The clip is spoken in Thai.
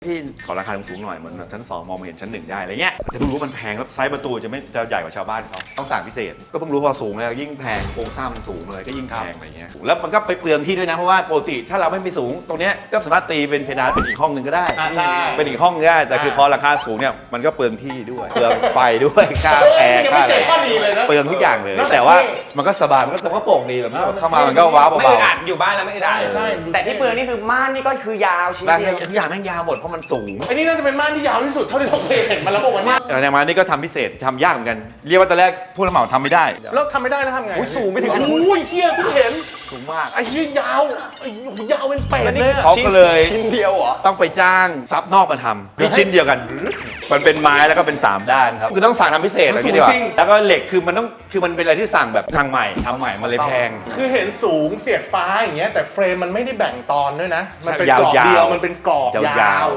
พี่ขอราคาสูงๆหน่อยเหมือนชั้น2มองมาเห็นชั้น1ได้อะไรเงี้ยแต่เพิ่งรู้มันแพงแล้วไซส์ประตูจะใหญ่กว่าชาวบ้านเขาต้องสั่งพิเศษก็เพิ่งรู้พอสูงแล้วยิ่งแพงโครงสร้างมันสูงเลยก็ยิ่งแพงอะไรเงี้ยแล้วมันก็ไปเปลืองที่ด้วยนะเพราะว่าปกติถ้าเราไม่มีสูงตรงเนี้ยก็สามารถตีเป็นเพดานเป็นอีกห้องนึงก็ได้เป็นอีกห้องก็ได้แต่คือพอราคาสูงเนี่ยมันก็เปลืองที่ด้วยเปลืองไฟด้วยค่าแอร์ค่าอะไรเปลืองทุกอย่างเลยแต่ว่ามันก็สบายมันก็โปร่งดีแบบเข้ามามันก็ว้าวเบาๆไม่อัดอยู่บ้านแล้วไม่ได้ใช่แต่ที่เปลืองนี่คือม่านนี่ก็คือยาวชิ้นบางเดียวทุกอย่างแม่งยาวหมดเพราะมันสูงไอ้นี่น่าจะเป็นม่านที่ยาวที่สุดเท่าที่เราเคยเห็นมาแล้วบอกว่าเนี่ยในมานี่ก็ทำพิเศษทำยากเหมือนกันเรียกว่าตอนแรกผู้รับเหมาทำไม่ได้แล้วทำไม่ได้แล้วทำไงสูงไม่ถึงโอ้ยเฮียเพิ่งเห็นสูงมากไอ้นี่ยาวไอ้ยาวเป็นเป็ดเลยเขาก็เลยชิ้นเดียวเหรอต้องไปจ้างซับนอกมาทำนี่ชิ้นเดียวกัน มันเป็นไม้แล้วก็เป็น3ด้านครับคือต้องสั่งทำพิเศษอะไรอย่างเงี้ยดีกว่าแล้วก็เหล็กคือมันเป็นอะไรที่สั่งแบบสั่งใหม่ทำใหม่มันเลยแพงคือเห็นสูงเสียดฟ้าอย่างเงี้ยแต่เฟรมมันไม่ได้แบ่งตอนด้วยนะมันเป็นยาวกรอบๆเดียวมันเป็นกรอบยาวยาว